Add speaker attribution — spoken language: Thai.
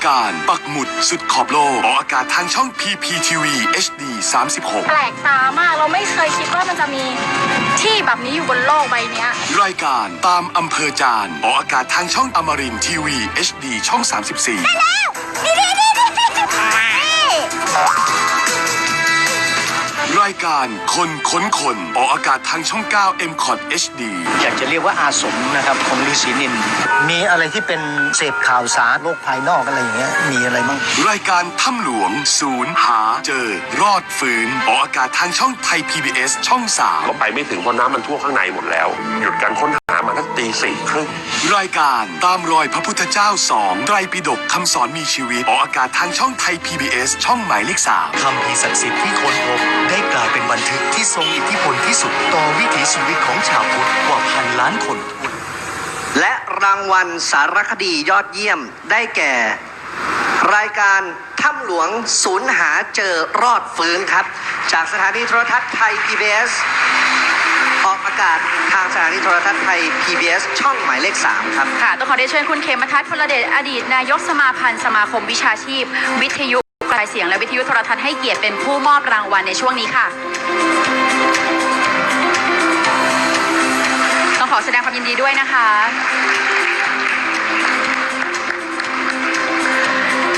Speaker 1: การปักหมุดสุดขอบโลกออกอากาศทางช่อง PPTV HD 36
Speaker 2: แปลกตามากเราไม่เคยคิดว่ามันจะมีที่แบบนี้อยู่บนโลกใบนี้
Speaker 1: รายการตามอำเภอจานออกอากาศทางช่องอมรินทร์ทีวี HD ช่อง 34
Speaker 2: ได้แล้ว
Speaker 1: รายการคนค้นคนออกอากาศทางช่อง 9 MCOT HD
Speaker 3: อยากจะเรียกว่าอาสมนะครับของฤาษีนินมีอะไรที่เป็นเสพข่าวสารโลกภายนอกอะไรอย่างเงี้ยมีอะไรบ้าง
Speaker 1: รายการถ้ำหลวงศูนย์หาเจอรอดฟื้นออกอากาศทางช่องไทย PBS ช่อง 3
Speaker 4: ก็ไปไม่ถึงเพราะน้ำมันท่วมข้างในหมดแล้วหยุดการค้นหามาตั้งตี 4:30
Speaker 1: รายการตามรอยพระพุทธเจ้า2ไตรปิฎกคำสอนมีชีวิตออกอากาศทางช่องไทย PBS ช่องหมายเลข 3
Speaker 5: คำพีศักดิ์สิทธิ์ที่ค้นพบได้กลายเป็นบันทึกที่ทรงอิทธิพลที่สุดต่อวิถีชีวิตของชาวพุทธกว่า1,000 ล้านคนทั่ว
Speaker 6: และรางวัลสารคดียอดเยี่ยมได้แก่ รายการถ้ำหลวงศูนย์หาเจอรอดฟื้นครับจากสถานีโทรทัศน์ไทย PBS ออกอากาศทางสถานีโทรทัศน์ไทย PBS ช่องหมายเลข 3ครับ
Speaker 2: ค่ะต้องขอได้เชิญคุณเขมทัศน์พลเดชอดีตนายกสมาพันธ์สมาคมวิชาชีพวิทยุกระจายเสียงและวิทยุโทรทัศน์ให้เกียรติเป็นผู้มอบรางวัลในช่วงนี้ค่ะต้องขอแสดงความยินดีด้วยนะคะ